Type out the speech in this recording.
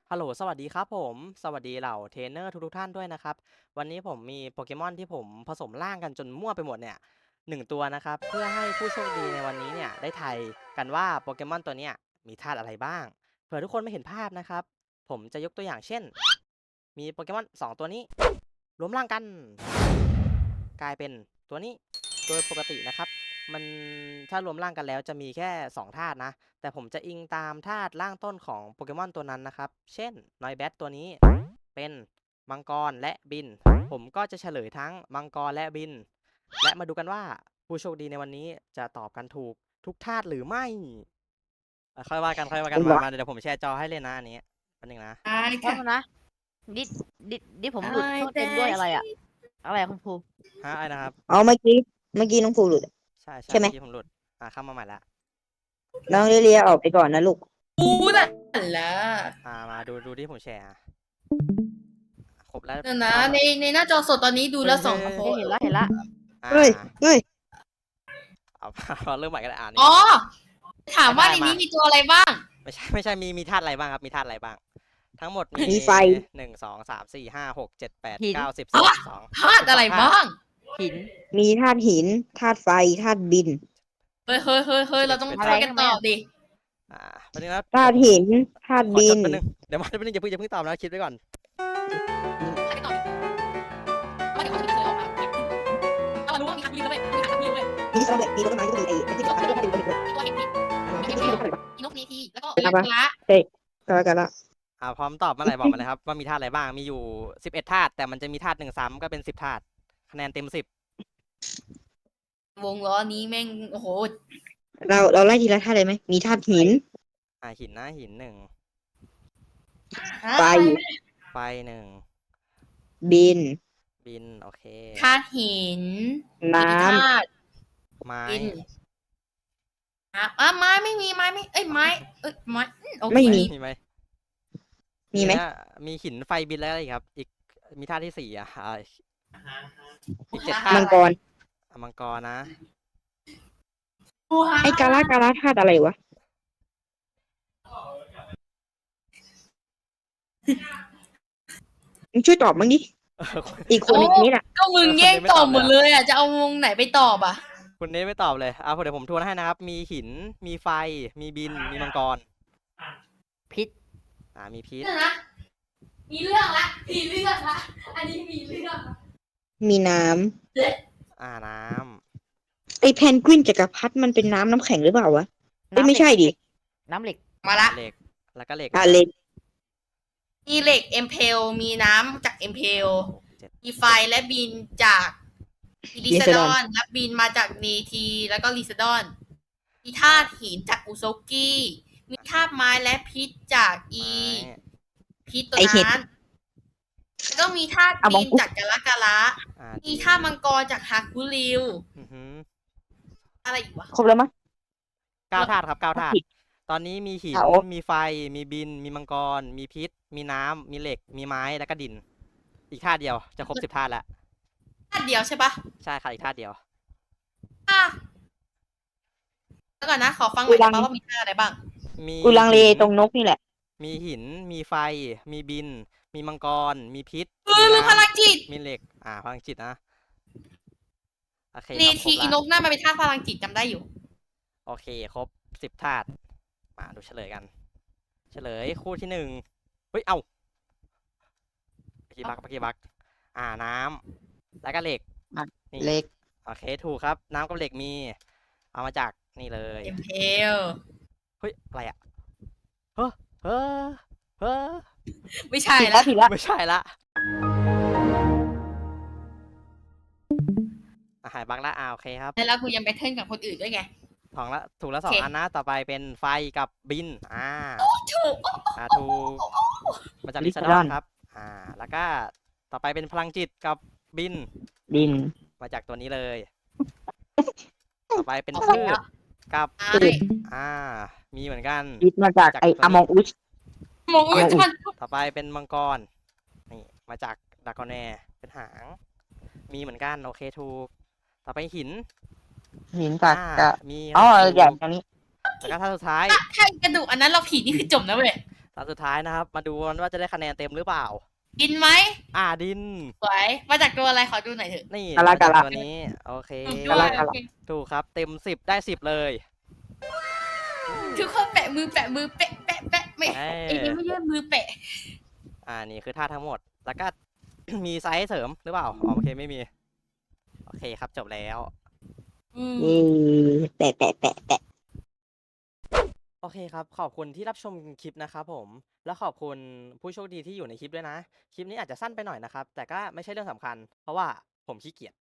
ฮัลโหลสวัสดีครับผมสวัสดีเหล่าเทรนเนอร์ทุกท่านด้วยนะครับวันนี้ผมมีโปเกมอนที่ผมผสมร่างกันจนมั่วไปหมดเนี่ย1 ตัวนะครับเพื่อให้ผู้โชคดีในวันนี้เนี่ยได้ทายกันว่าโปเกมอนตัวเนี้ยมีธาตุอะไรบ้างเผื่อทุกคนไม่เห็นภาพนะครับผมจะยกตัวอย่างเช่นมีโปเกมอน2 ตัวนี้รวมร่างกันกลายเป็นตัวนี้โดยปกตินะครับมันถ้ารวมร่างกันแล้วจะมีแค่2ธาตุนะ แต่ผมจะอิงตามธาตุร่างต้นของโปเกมอนตัวนั้นนะครับ เช่นนอยแบทตัวนี้เป็นมังกรและบิน ผมก็จะเฉลยทั้งมังกรและบิน และมาดูกันว่าผู้โชคดีในวันนี้จะตอบกันถูกทุกธาตุหรือไม่ค่อยว่ากันมาเดี๋ยวผมแชร์จอให้เลยนะอันนี้อันหนึ่งนะได้ว่าค่ะนะดิดดิผมหลุดช่องเต็มด้วยอะไรอะคุณครูฮะไอ้นะครับอ๋อเมื่อกี้น้องภูหลุดใช่ใช่ไหมเมื่อกี้ผมหลุดเข้ามาใหม่ละน้องเลียออกไปก่อนนะลูกพูดอ่ะละมาดูที่ผมแชร์ครบแล้วเดี๋ยวนะในหน้าจอสดตอนนี้ดูแล้ว2โพสเห็นละเฮ้ยเอาเริ่มใหม่กันเลยนี่อ๋อถามว่าในนี้มีตัวอะไรบ้างไม่ใช่มีธาตุอะไรบ้างครับมีธาตุอะไรบ้างทั้งหมดมีไฟ 1 2 3 4 5 6 7 8 9 10 11 12 ธาตุอะไรบ้างหินมีธาตุหินธาตุไฟธาตุบินเฮ้ยเราต้องช่วยกันตอบดิแป๊บนึงนะธาตุหินธาตุขอบิจดนแป๊บนึงเดี๋ยวมาแป๊บนึงอย่าเพิ่งตอบนะคิดไว้ก่อนใครตอบดิว่าเดี๋ยวเขาจะเฉลยออกมาถ้าเรารู้ว่ามีทางยืนเลยมีทางยืนเลยมีสำเร็จมีต้นไม้ก็มีไอ้ที่สำคัญก็คือตัวเห็นผิดที่ที่ที่อีนกเนทีแล้วก็อะไรละกันละพร้อมตอบเมื่อไหร่บอกมาเลยครับว่ามีธาตุอะไรบ้างมีอยู่11ธาตุแต่มันจะมีธาตุ1ซ้ำก็เป็น10ธาตุคะแนนเต็ม10 วงล้อนี้แม่งโอ้โหเราไล่ทีละธาตุเลยไหมมีธาตุหินหินนะหินไฟ 1ไฟบินบินโอเคธาตุหินน้ธาตุไม้ดินไม้ไม่มีไม้ไม่ไม้โอเคไม่มีมีไหมมีไหมมีหินไฟบินแล้วอะไรอีกครับอีกมีธาตุที่4อีก7ธาตุมังกรมังกรนะไอ้กาละธาตุอะไรวะมึงช่วยตอบมั้งดิอีกคนนี้แหละก็มึงแย่งตอบหมดเลยอ่ะจะเอาวงไหนไปตอบอ่ะคุณเนทไม่ตอบเลยเดี๋ยวผมทวนให้นะครับมีหินมีไฟมีบินมีมังกรพิษมีพิษนะมีเรื่องละอันนี้มีเรื่องมีน้น้ำไอ้เพนกวินจักรพรรดิมันเป็นน้ำแข็งหรือเปล่าวะไม่ใช่ดิน้ำเหล็กมาละเหล็กแล้วก็เหล็กเหล็กมีเหล็กเอ็มเพลมีน้ำจากเอ็มเพลมีไฟและบินจากลิซาดอนและบินมาจากเนทีแล้วก็ลิซาดอนมีธาตุหินจากอุโซกี้มีธาตุไม้และพิษจากพิษตัวนั้นแล้วก็มีธาตุดินจากกาละมีธาตุมังกรจากฮาคุริวอะไรอีกวะครบแล้วมั้ย 9 ธาตุครับ9 ธาตุตอนนี้มีหินมีไฟมีบินมีมังกรมีพิษมีน้ำมีเหล็กมีไม้แล้วก็ดินอีกธาตุเดียวจะครบ10 ธาตุแล้วธาตุเดียวใช่ปะใช่ค่ะอีกธาตุเดียวแล้วก่อนนะขอฟังหน่อยว่ามีธาตุอะไรบ้างกูลังเลตรงนกนี่แหละมีหินมีไฟมีบินมีมังกรมีพิษมีพลังจิตมีเหล็กพลังจิตนะโอเคนี่ทีอีนกหน้ามันเป็นธาตุพลังจิตจำได้อยู่โอเคครบ10 ธาตุมาดูเฉลยกันเฉลยคู่ที่1เฮ้ยกี่บักน้ำแล้วก็เหล็กนี่เหล็กโอเคถูกครับน้ำกับเหล็กมีเอามาจากนี่เลยเอ็มเพลเฮ้ยอะไรอ่ะเฮ้อไม่ใช่ละไม่ใช่ละหายบักละโอเคครับแล้วกูยังไปเทิร์นกับคนอื่นด้วยไงถูกแล้ว2 อันนะต่อไปเป็นไฟกับบินถูกมาจากลิซาดอนครับแล้วก็ต่อไปเป็นพลังจิตกับบินมาจากตัวนี้เลยต่อไปเป็นพืชกับมีเหมือนกันมาจากไอ้อมองอุสต่อไปเป็นมังกรนี่มาจากดากอนแนเป็นหางมีเหมือนกันโอเคถูกต่อไปหินจากมีอย่างนี้แล้วก็ท่าสุดท้ายถ้ากระดูกอันนั้นเราผีนี่คือจมนะเว้ยตาสุดท้ายนะครับ มาดูกันว่าจะได้คะแนนเต็มหรือเปล่าดินไหมดินสวยมาจากตัวอะไรขอดูหน่อยเถอะนี่กะละกะละตัวนี้ โอเคถูกด้วยกะละโอเคถูกครับ เต็ม 10 ได้ 10 เลยทุกคนแปะมือแปะมือแปะแปะแปะไม่เอ้ยไอ้นี่ไม่ใช่มือแปะนี่คือท่าทั้งหมด แล้วก็ มีไซส์เสริมหรือเปล่าอ๋อโอเคไม่มี โอเคครับจบแล้วอืมแปะแปะแปะแปะโอเคครับ ขอบคุณที่รับชมคลิปนะครับผม แล้วขอบคุณผู้โชคดีที่อยู่ในคลิปด้วยนะ คลิปนี้อาจจะสั้นไปหน่อยนะครับ แต่ก็ไม่ใช่เรื่องสำคัญ เพราะว่าผมขี้เกียจ